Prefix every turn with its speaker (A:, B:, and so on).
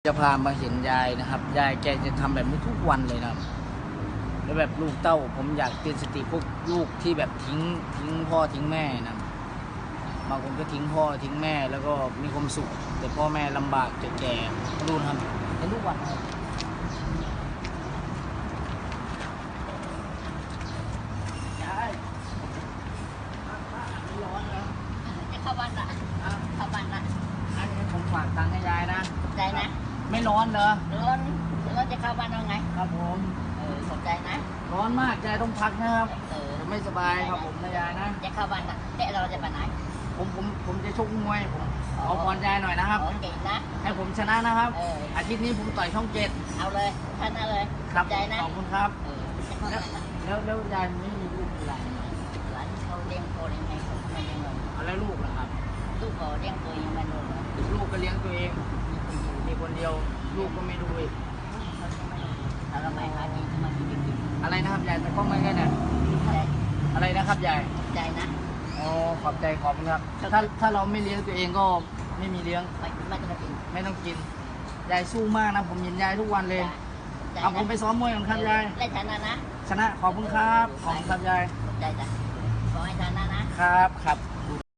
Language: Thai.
A: จะพามาเห็นยายนะครับยายแกจะทำแบบนี้ทุกวันเลยนะครับแล้วแบบลูกเต้าผมอยากเตือนสติพวกลูกที่แบบทิ้งพ่อทิ้งแม่นะบางคนก็ทิ้งพ่อทิ้งแม่แล้วก็มีความสุขแต่พ่อแม่ลำบากจนแก่ดูนะครับเห็นทุกวันครับยายไม่ร้อนแล้ว
B: จะเข้าบ้านละเข้าบ้านละ
A: อันนี้ผมฝากตังค์ให้ยายนะ
B: ขอบใจนะ
A: ไม่ร้อนเหรอ
B: ร้อนจะเข้าบ้านเอาไง
A: ครับผม
B: ขอบใจนะ
A: ร้อนมากยายต้องพักนะครับไม่สบายครับผมนะยายนะ
B: จะเข้าบ้านละเราจะไปไหน
A: ผมจะชกมวยผมเอาพรยายหน่อยนะครับ
B: เก่งนะ
A: ให้ผมชนะนะครับอาทิตย์นี้ผมต่อยช่อง7
B: เอาเลยชนะเลย
A: ขอบใจนะขอบคุณครับแล้วยายไม่มีลูกอะไร
B: หลานเขาเลี้ยงตัวยังไงเขาไม่เลี้ยงเลย
A: เอาแล้วลูกนะครับ
B: ลูกเขาเลี้ยงตัวยังไม่รู้เลย
A: ลูกก็เลี้ยงตัวเองมีคนเดียวลูกก็ไม่ดูอีก
B: ถ้าเราไม่หากินมากินกิน
A: อะไรนะครับยายแต่ก็ไม่ได้เนี่ยอะไรนะครับยาย
B: ใจนะ
A: อ๋อขอบใจขอบคุณครับถ้าเราไม่เลี้ยงตัวเองก็ไม่มีเลี้ยง
B: ไม่ต้องกิน
A: ไม่ต้องกินยายสู้มากนะผมเห็นยายทุกวันเลยเอาผมไปซ้อมมวยก่อนครับยาย
B: ได้ชนะนะ
A: ชนะขอบคุณครับขอบคุณครับยาย
B: ใจจ้ะขอให้ชนะนะครับ
A: ครับ